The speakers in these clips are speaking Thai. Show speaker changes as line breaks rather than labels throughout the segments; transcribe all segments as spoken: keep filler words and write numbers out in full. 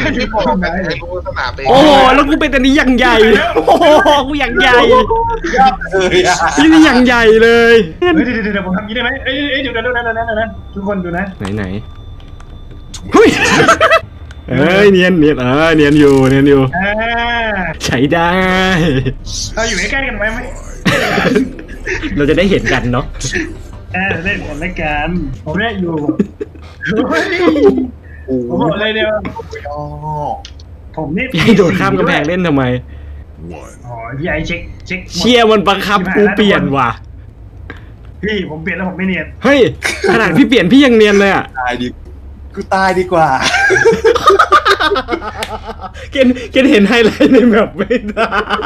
ไม่บอกไหนกูสนามเอง
โอ้แล้วกูเป็นอันนี้อย่างใหญ่โอ้กูอย่างใหญ่ที่นี่อย่างใหญ่เลย
เดี๋ยวเดี๋ยวผมทำนี้ได้ไหมเอ้ยเอ้ยเดี๋ยวเดี๋ยวเดี๋ยวเดี๋ยวนะทุกคนดูนะ
ไหนไหนเฮ้ยเอ้ยเนียนเนียนเออเนียนอยู่เนียนอยู่ใช้ได้
เราอยู่ใกล้ๆกันไหมไหม
เราจะได้เห็นกันเนาะ
เออเล่นกันแล้วกันผมเนี่ยอยู่ผมบอกเลยเดียวผมนี่
พี่โดดข้ามกำแพงเล่นทำไม
อ๋อพี่ไอเช็คเช็ค
เชียร์มันบังคับกูเปลี่ยนว่ะ
พี่ผมเปลี่ยนแล้วผมไม่เนียน
เฮ้ยขนาดพี่เปลี่ยนพี่ยังเนียนเลยอ่ะ
ตายดิกูตายดีกว่า
เกณฑ์เกณฑ์เห็นไฮไลท์ในแบบไม่ได้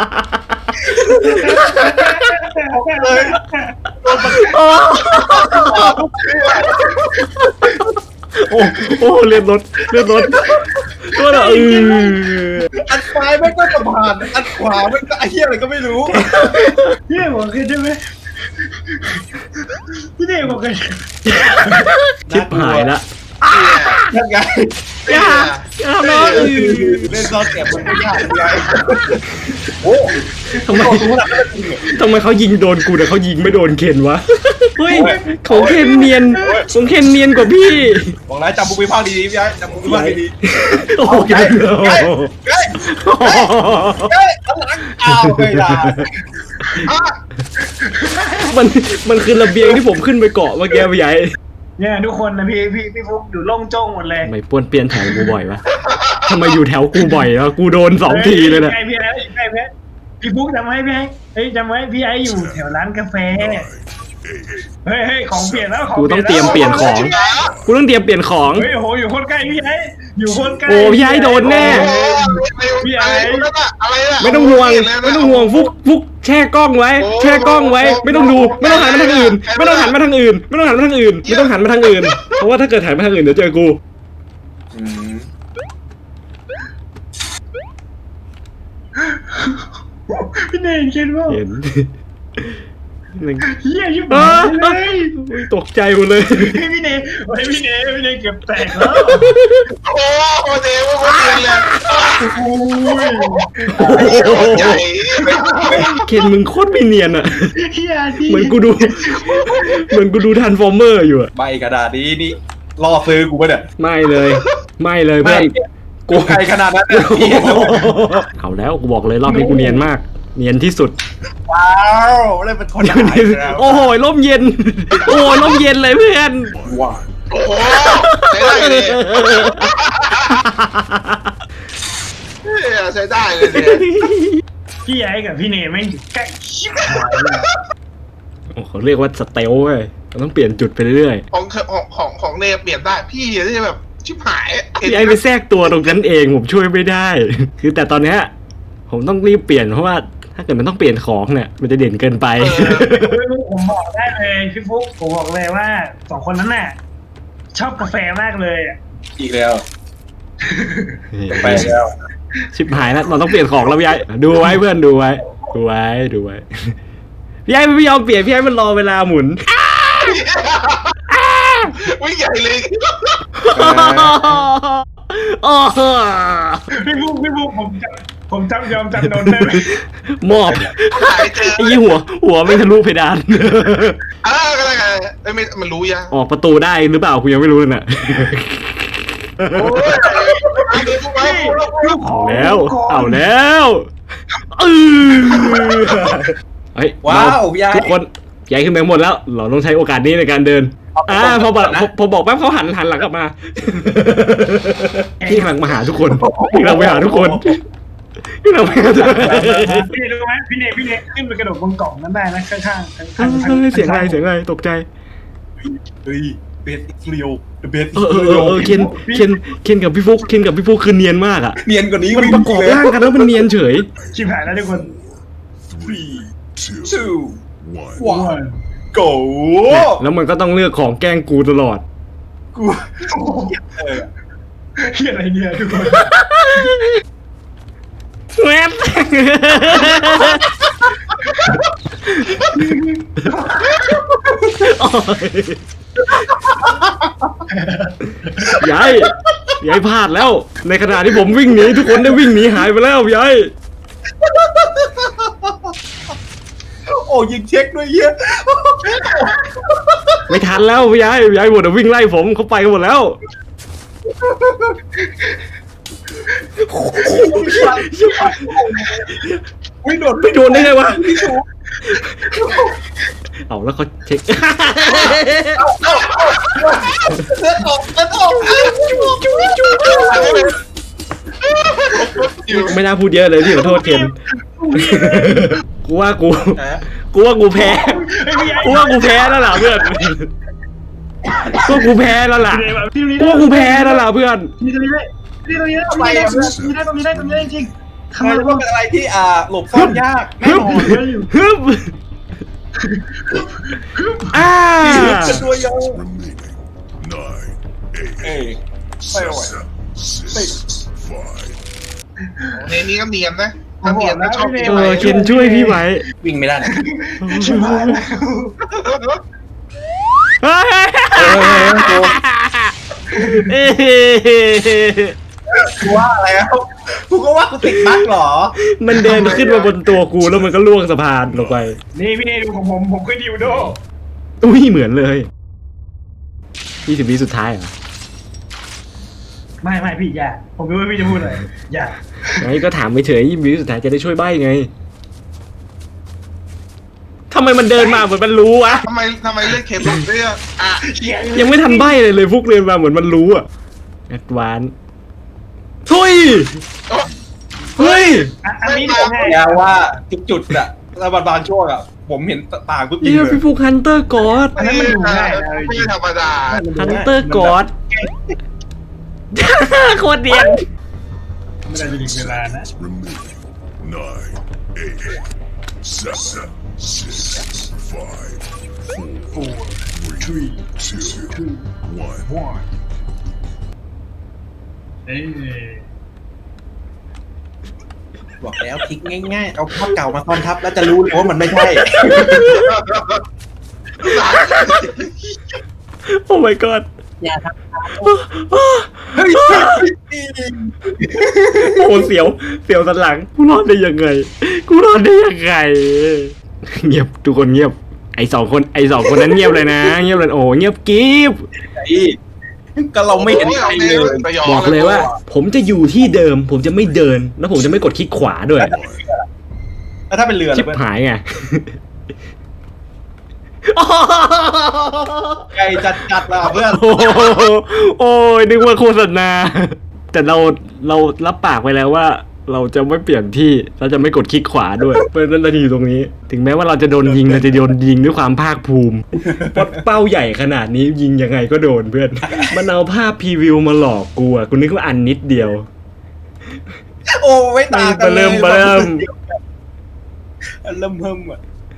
โอ้โอ้เลือดรถเลือดรถตัวเราเออ
อันซ้ายไม่ก็สะพานอันขวาไม่ก็ไอ้เหี้ยอะไรก็ไม่รู้
เหี้ยบอกเคยใช่ไหมพี่เด็กบอกเคย
ชิบหายละ
ยังไง
อย่าอย่าน้อง
เล่นซอสแอบมันไม่ยากยังไงโอ้
ทำไมทำไมเขายิงโดนกูแต่เขายิงไม่โดนเคนวะเฮ้ยของเคนเนียนของเคนเนียนกว่าพี่
บอกแล้วจำบุพิภาคดีๆพี่ไอ้จำบุพิภาคดี
ๆโอ้ยเฮ้ย
เฮ้ยเฮ้ยหลังอ้าวไม่ได้
มันมันคือระเบียงที่ผมขึ้นไปเกาะเมื่อกี้พี่ใหญ่
เนี่ยทุกคนนะพี่พี่พี่ฟุ๊กอยู่ล่องจ้องหมดเลย
ไม่ป้วนเปลี่ยนแถวกูบ่อยวะทำไมอยู่แถวกูบ่อยแล้วกูโดนสองทีเลยนะ
ใกล้พี่ไอ้ใกล้พี่พี่ฟุ๊กจำไว้พี่ไอ้เฮ้ยจำไว้พี่ไอ้อยู่แถวร้านกาแฟเฮ้ยเฮ้ยของเปลี่ยนแล้วของ
กูต้องเตรียมเปลี่ยนของกูต้องเตรียมเปลี่ยนของ
เฮ้ยโหอยู่คนใกล้พี่ไอ้อยู่คนใกล้
โอ้พี่ไอ้โดนแน่
พี่ไอ้
ไม่ต้องห่วงไม่ต้องห่วงฟุกฟุกแช่กล้องไว้แช่กล้องไว้ไม่ต้องดูไม่ต้องหันมาทางอื่นไม่ต้องหันมาทางอื่นไม่ต้องหันมาทางอื่นไม่ต้องหันมาทางอื่นเพราะว่าถ้าเกิดหันมาทางอื่นเดี๋ยวเจอกู
พี่เนยเห็นว่า
เห็น
เฮียยิ่ง
เลยตกใจหมดเลย
พี่เนยพี่เนยพี่เนยเก็บแตกแล้ว
โอ้โหเดี๋ยวกูเห็นเลย
เคนมึงโคตรไม่เนียนอ่ะเหมือนกูดูเหมือนกูดูทันฟอร์เมอร์อยู่อะ
ใบกระดาษนี้นี่ล่อซื้อกูปะเนี่ย
ไม่เลยไม่เลยเพื่อน
กูไกลขนาดนั้น
เอาแล้วกูบอกเลยรอบนี้กูเนียนมากเนียนที่สุด
ว้าวอะไรเป็นคนหาย
โอ้โหร่มเย็นโอ้ร่มเย็นเลยเพื่อน
ว้าว
โอ้โหใช้ได้เลยใช้ได้เลย
พี่ไอ้กับพี่เนยไม่ใกล้ชิบหายเลย
โอ้เขาเรียกว่าสเตลเว้ยเราต้องเปลี่ยนจุดไปเรื่อย
ๆของของของของเนยเปลี่ยนได้พี่ที่แบบชิบหาย
พี่ไอ้ไปแทรกตัวตรงนั้นเองผมช่วยไม่ได้คือแต่ตอนนี้ผมต้องรีบเปลี่ยนเพราะว่าถ้าเกิดมันต้องเปลี่ยนของเนี่ยมันจะเด่นเกินไป
ผมบอกได้เลยพี่ฟุ๊กผมบอกเลยว่าสองคนนั้นน่ะชอบกาแฟมากเลย
อีกแล้วไปแล้ว
ชิบหายแล้วเราต้องเปลี่ยนของแล้วพี่ไอ้ดูไว้เพื่อนดูไว้ดูไว้ดูไว้พี่ไอ้ไม่ยอมเปลี่ยนพี่ไอ้มันรอเวลาหมุน
วิ่งใหญ่เลย
พี่ฟุ๊กพี่ฟุ๊กผมจำผมจำยอมจำโดนได้ไหม
มอบไอ้ยี่หัวหัวไม่ทะลุเพดาน
อ่าก็ได้ไอ้ไม่มันรู้ยัง
ออกประตูได้หรือเปล่ากูยังไม่รู้เลยน่ะเอาแล้วเอาแล้วเออเฮ้ยว้าวทุกคนใหญ่ขึ้นไปหมดแล้วเราต้องใช้โอกาสนี้ในการเดินอ่าพอบอกพอบอกแป๊บเขาหันหันหลังกลับมาพี่กำลังมาหาทุกคนพี่กำลังไปหาทุกคนพี่กำลังไปหาทุกคน
พี่รู้ไหมพี่เนยพี่เนยขึ้นไปกระโดดบนกล่องนั้นได้นะข้างข้าง
เสียงอะไรเสียงอะไรตกใจ
เฮ้ยเบสเรียวเบส
เออเออเคนเคนเคนกับพี่ฟุกเคนกับพี่ฟุกคือเนียนมากอ่ะ
เนียนกว่านี้
มันประกอบร่างกันแล้วมันเนียนเฉย
ชิบหายแล้วทุกคน
three two one go
แล้วมันก็ต้องเลือกของแกล้งกูตลอด
กู
เฮียอะไรเนี่ยทุกคน
แม่ยายพี่ไอ้พลาดแล้ว ในขณะที่ผมวิ่งหนีทุกคนได้วิ่งหนีหายไปแล้วพี่ไอ้
โอ้ยิงเช็คด้วยเหี้ย
ไม่ทันแล้วพี่ไอ้พี่ไอ้หมดแต่วิ่งไล่ผมเขาไปกันหมดแล้ว
วิ่งโดด
ไม่โดนได้ไงวะ
พี่ชู
เอาแล้วเขาเช็ค
เลือดออกเลือดออก
ไม่น่าพูดเยอะเลยพี่ขอโทษเคนกูว่ากู กูว่ากูแพ้ กูว่ากูแพ้แล้วล่ะเพื่อน กูว่ากูแพ้แล้วล่ะ กูว่ากูแพ้แล้วล่ะเพื่อน
นี่ตรงนี้ได้นี่ตรงนี้ได้ตรงนี้ได้ตรงนี้ได้ตรงนี้ได้ตรงนี้ได้จริงทำ
ทำ
ไม
ไม
วะ
ว่าเป็นอะไรที่อ่าหลบซ่อนยากแน่
ฮึบ
นอน
ฮึบอ่า
เป็นตัวยง
Nine,
เอ้ย
eight,
ไม่ไหว
seven, six, five.
ในนี้ก็เนียนนะถ้าเนียนก็ชอบเนียน
เอ
ไหม
อเคนช่วยพี่ไว้
วิ่งไม่ได้นะ
ชิบหายแล้ว
เฮ้ย
เออกูว่าอะไรแล้วกูก็ว่ากูติดบั๊กเหรอ
มันเดินขึ้นมาบนตัวกูแล้วมันก็ล่วงสะพานลงไป
นี่พี่เอดูของผมผมคือดิวโด
อุ้ยเหมือนเลยยี่สิบวิสุดท้ายเหรอ
ไม่ไม่พี่อย่าผมรู้ว่าพี่จะพูดอะไรอย่า
ไงก็ถามไปเฉยยี่สิบวิสุดท้ายจะได้ช่วยใบ้ไงทำไมมันเดินมาเหมือนมันรู้วะ
ทำไมทำไมเลือกเข็มแบบเนี้ยอ่ะ
ยังไม่ทันใบ้เลยเลยฟุกเดินมาเหมือนมันรู้อะแอดวานทุยเฮ้ย
อ่ะอันนี้ดูให้
อย่าว่าจุดๆอะแล้วบางช่วงอะผมเห็นต่างปุ๊บยิง
เฮีย
เลย
พี่ฟุกฮันเตอร์กอด
อันนั้นมันดูง่ายนะ
ไม่ธรรมดา
ฮันเตอร์กอดโคตรเดียน
ไม่ได้จะถึงเวลานะ
Remaining. Nine, eight, seven, six, five, four, three, two, one.
เอ้ย
บอกแล้วพลิกง่ายๆ เอาภาพเก่ามาซ้อนทับแล้วจะรู้เลยว่ามันไม่ใช่
โอ้ my god
อย่าท
เฮ้ยโอ้เสียวเสียวสันหลังกูรอดได้ยังไงกูรอดได้ยังไงเงียบทุกคนเงียบไอสองคนไอสองคนนั้นเงียบเลยนะเงียบเลยโอ้เงียบกิ๊บ
ำก็เราไม่เห็นใครเลย
บอกเลยว่า ผมจะอยู่ที่เดิม ผมจะไม่เดิน แล้วผมจะไม่กดคลิกขวาด้วย
แล้วถ้าเป็นเรือ
ชิบ
ล่ะ
หายไง
ไกลจัดๆละเพื่อน
โอ้โหโอ้ยนึกว่าโฆษณาแต่เราเรารับปากไปแล้วว่า เราจะไม่เปลี่ยนที่เราจะไม่กดคลิกขวาด้วยเพราะฉะนั้นเราจะอยู่ตรงนี้ ถึงแม้ว่าเราจะโดนยิงเราจะโดนยิงด้วยความภาคภูมิเพราะเป้าใหญ่ขนาดนี้ยิงยังไงก็โดนเพื่อนมันเอาภาพพรีวิวมาหลอกกูอะกูนึกว่าอันนิดเดียว
โอ้ไม่ต่างกันเลย
เริ่มเริ่ม
เริ่มเพิ่มอ่ะ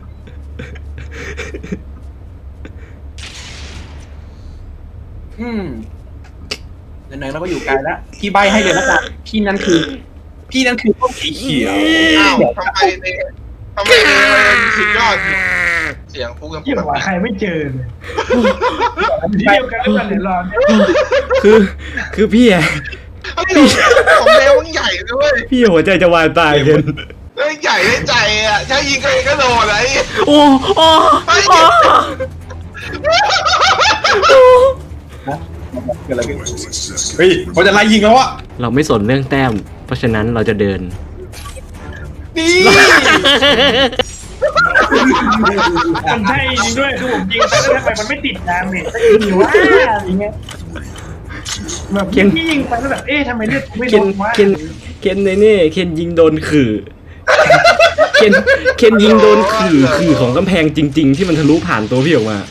อืมไหนๆเราก็อยู่ไกลแล้วพี่ใบให้เลยละกันพี่นั่นคือ พี่นั่นคือต้นสีเขียว
อ้าวทำไมเนี่ยทำไมเนี่ยมันสุดยอดเสียงฟุกยังพู
เกี่
ด
ยว
แบบ
กับใครไม่เจอเลยที่เดียวกันหรือเปล่าเนี่ยรอนเนี่ย
คือคือพี่อะ
เฮ้ยของแมวมันใหญ่ด้วย
พี่หัวใจจะวายตายเห็น
เฮ้ยใหญ่ได้ใจอ่ะใช้ยิงก็เองก็โดนอะไร
โอ้โอ้โอ้
เกิดอะไรขึ้น
twenty seconds.
เฮ้ยเขาจะไล่ยิงแล้วอ่ะ
เราไม่สนเรื่องแต้ม เพราะฉะนั้นเราจะเดิน
นี่
มันใช่จริงด้วยคือผมยิงไปแล้วทำไมมันไม่ติดดาเมจสักทีวะอะไรเงี้ยแบบยิงยิงไปแล้วแบบเอ๊ะทำไมเลือดไม่
เคน
ลดวะ
เคนเคนในนี่เคนยิงโดนขื่อเคนเคนยิงโดนขื่อขื่อของกำแพงจริง ๆ ที่มันทะลุผ่านตัวพี่ออกมา